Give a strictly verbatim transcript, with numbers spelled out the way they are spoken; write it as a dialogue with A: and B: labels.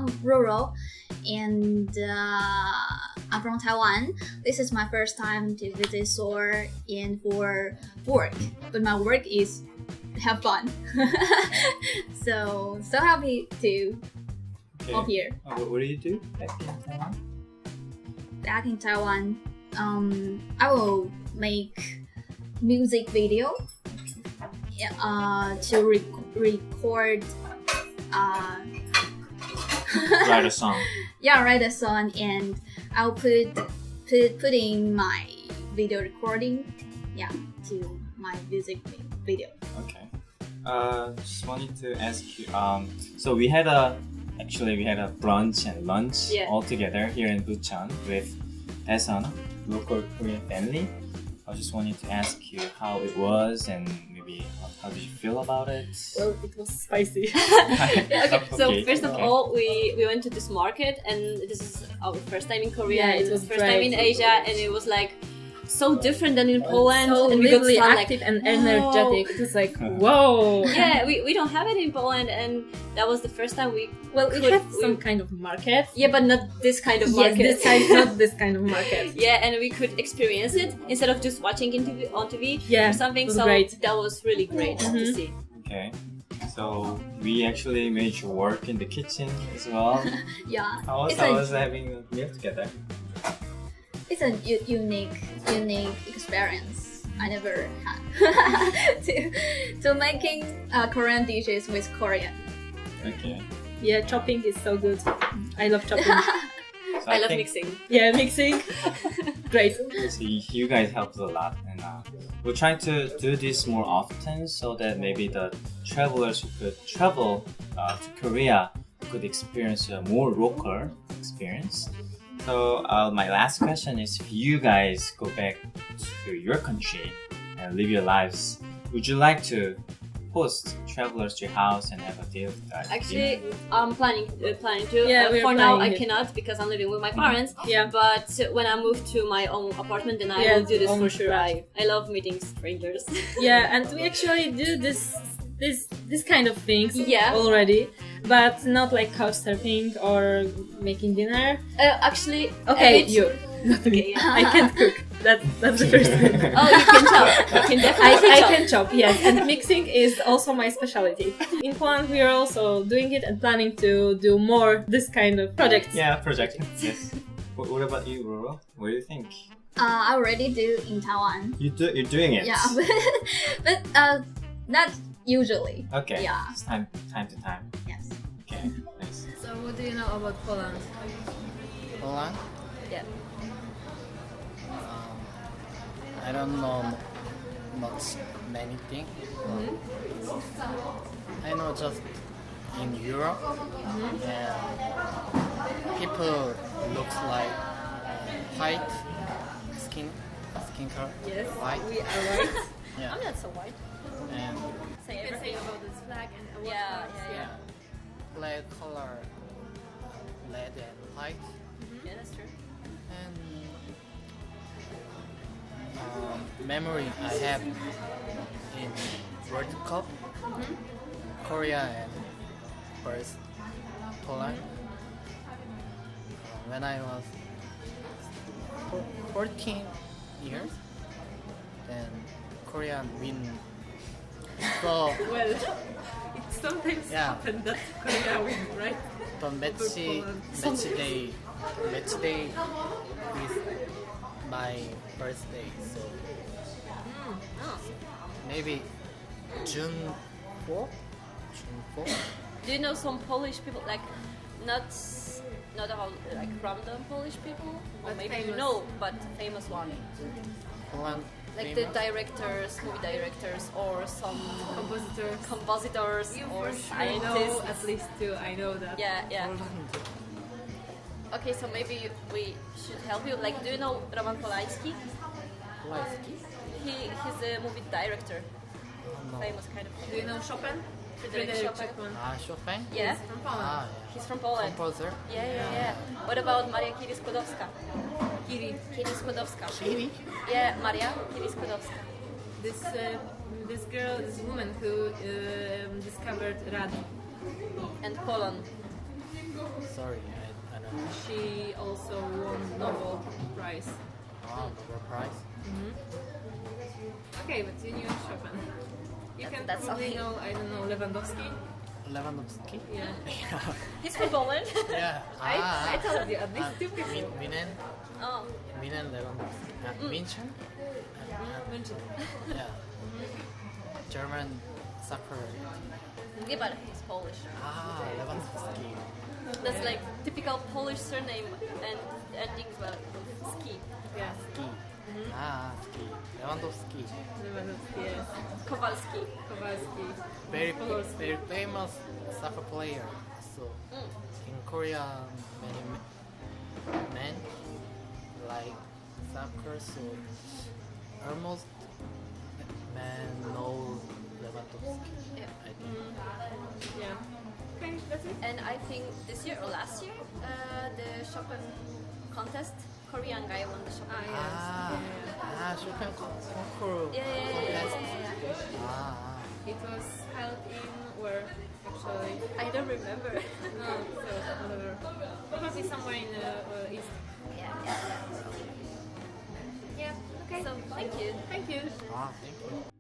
A: I'm Roro, and uh, I'm from Taiwan. This is my first time to visit Seoul and for work, but my work is have fun. so so happy to
B: Okay.
A: come here.
B: Uh, what, what do you do back in Taiwan?
A: Back in Taiwan, um, I will make music video. Yeah, uh, to rec- record. Uh,
B: Write a song.
A: yeah, write a song, and I'll put put put in my video recording. Yeah, to my music video.
B: Okay. Uh, just wanted to ask you. Um, so we had a actually we had a brunch and lunch
C: Yeah.
B: all together here in Bucheon with Daesun, local Korean family. I just wanted to ask you how it was and maybe how, how did you feel about it?
C: Well, it was spicy.
B: Yeah,
C: okay, so
B: okay,
C: first of
B: okay.
C: all, we, we went to this market, and this is our first time in Korea.
D: Yeah,
C: it
D: it
C: was
D: was
C: first time in
D: great.
C: Asia, and it was like so different than in Poland.
D: So
C: and we got
D: lively,
C: some,
D: active,
C: like,
D: and
C: wow.
D: energetic. It was like, whoa.
C: Yeah, we, we don't have it in Poland, and that was the first time we.
D: Well, we
C: could-
D: had
C: we-
D: some kind of market.
C: Yeah, but not this kind of
D: Yes,
C: market.
D: this kind, not this kind of market.
C: Yeah, and we could experience it instead of just watching it T V, on T V
D: Yeah,
C: or something.
D: it was
C: So
D: great.
C: that was really great to
D: Mhm.
C: see.
B: Okay. So we actually made you work in the kitchen as well.
A: Yeah,
B: How was
A: it's
B: how
A: a
B: was having a meal together?
A: it's a u- unique unique experience I never had to to making uh, Korean dishes with Korean.
B: Okay.
D: Yeah, chopping is so good. I love chopping.
B: So
C: I love
B: think,
C: mixing.
D: Yeah, mixing. Great.
B: So you you guys helped a lot, and uh, we're trying to do this more often so that maybe the travelers who could travel uh, to Korea could experience a more local experience. So uh, my last question is: if you guys go back to your country and live your lives, would you like to host travelers to your house and have a deal with that?
C: Actually, I'm planning uh, planning to.
D: Yeah,
C: Uh,
D: we're
C: for now, I
D: planning it.
C: cannot because I'm living with my parents.
D: Yeah.
C: But when I move to my own apartment, then I
D: Yeah,
C: will do this
D: own
C: for sure.
D: flat.
C: I, I love meeting strangers.
D: Yeah, and we actually do this this this kind of things
C: Yeah.
D: already, but not like couch surfing or making dinner.
C: uh, actually, a
D: Okay,
C: bit-
D: you. Not me.
C: Okay, yeah.
D: I can't cook. That, that's the first thing.
C: Oh, you can chop. You can
D: I,
C: definitely
D: I
C: chop.
D: can chop, yes, and mixing is also my specialty. In Poland, we are also doing it and planning to do more this kind of projects.
B: Yeah, project. Yes. What, what about you, Roro? What do you think?
A: Uh, I already do in Taiwan.
B: You do, you're doing it.
A: Yeah, but, but uh, not usually.
B: Okay.
A: Yeah.
B: It's time, time to time.
A: Yes.
B: Okay. Nice.
D: So, what do you know about Poland?
E: Poland?
C: Yeah.
E: Um, I don't know m- much many things. I know just in Europe, and people looks like white skin, skin color.
D: Yes,
E: White.
D: we are right.
E: Yeah.
C: I'm not so white.
E: And
C: Say everything.
D: about this flag and what
C: Yeah,
D: colors,
C: yeah,
E: yeah, black color, red and white.
C: Yeah, that's true.
E: And um, memory I have in World Cup, Korea and first Poland. Uh, when I was four- fourteen years, then Korea win. So
D: Well, it sometimes
E: Yeah.
D: happens that Korea wins, right?
E: the match
D: Poland.
E: match day match day is my birthday. So
C: Oh.
E: maybe June fourth. June fourth.
C: Do you know some Polish people, like not not about like random Polish people, or
D: But
C: maybe you
D: famous.
C: know, but famous one,
E: Poland.
C: like the
E: famous.
C: directors, movie directors, or some
D: Compositors.
C: compositors or
D: I know
C: scientists.
D: at least two. I know that.
C: Yeah, yeah.
E: Poland.
C: Okay, so maybe we should help you. Like, do you know Roman Polanski?
E: Polanski?
C: He he's a movie director,
E: No.
C: famous kind of.
D: Do you know Chopin?
C: Frédéric Chopin.
D: Chopin.
E: Ah, Chopin?
C: Yeah,
D: From Poland.
E: Ah, yeah.
C: he's from Poland.
E: Composer.
C: Yeah, yeah, yeah. What about Maria Curie Skłodowska?
D: Kiri.
C: Curie Skłodowska.
E: Chili?
C: Yeah, Maria Curie Skłodowska.
D: This uh, this girl, this woman who um, discovered rad.
C: And polon.
E: Sorry, I, I don't know.
D: She also won Nobel Prize.
E: Ah, Nobel Prize.
D: Okay, but you knew Chopin. You
A: Yeah,
D: can
A: that's
D: probably
A: okay.
D: know, I don't know, Lewandowski.
E: Lewandowski.
D: Yeah.
A: He's from Poland.
E: Yeah.
D: I,
E: Ah,
D: I told you, at least
E: ah,
D: two people.
E: Min- Minen,
A: Oh,
E: Minen Lewandowski. Uh, Minchen.
D: Mention.
E: Yeah. German soccer.
A: yeah, but he's Polish.
E: Ah, Lewandowski.
A: That's like typical Polish surname and endings well ski.
D: Yeah,
E: Ski. Ah, ski. Lewandowski.
D: Lewandowski, yes.
A: Kowalski.
D: Kowalski.
E: Very,
D: Kowalski.
E: very famous soccer player. So in Korea, many me- men like soccer. So almost men know Lewandowski.
A: Yeah.
E: I think.
D: Yeah. Okay, that's it.
A: And I think this year or last year, uh, the Chopin contest, Korean guy won the Chopin.
D: Ah, yes.
E: Ah,
D: Yeah.
E: ah, Chopin con- concours.
A: Yeah, yeah, yeah, yeah,
E: contest.
A: yeah, yeah, yeah.
E: Ah,
D: It was held in where actually?
A: I don't remember.
D: No, so whatever. Probably somewhere in the uh, east.
A: yeah, yeah, yeah.
D: Yeah. Okay.
A: So thank you.
D: Thank you.
E: ah, thank you.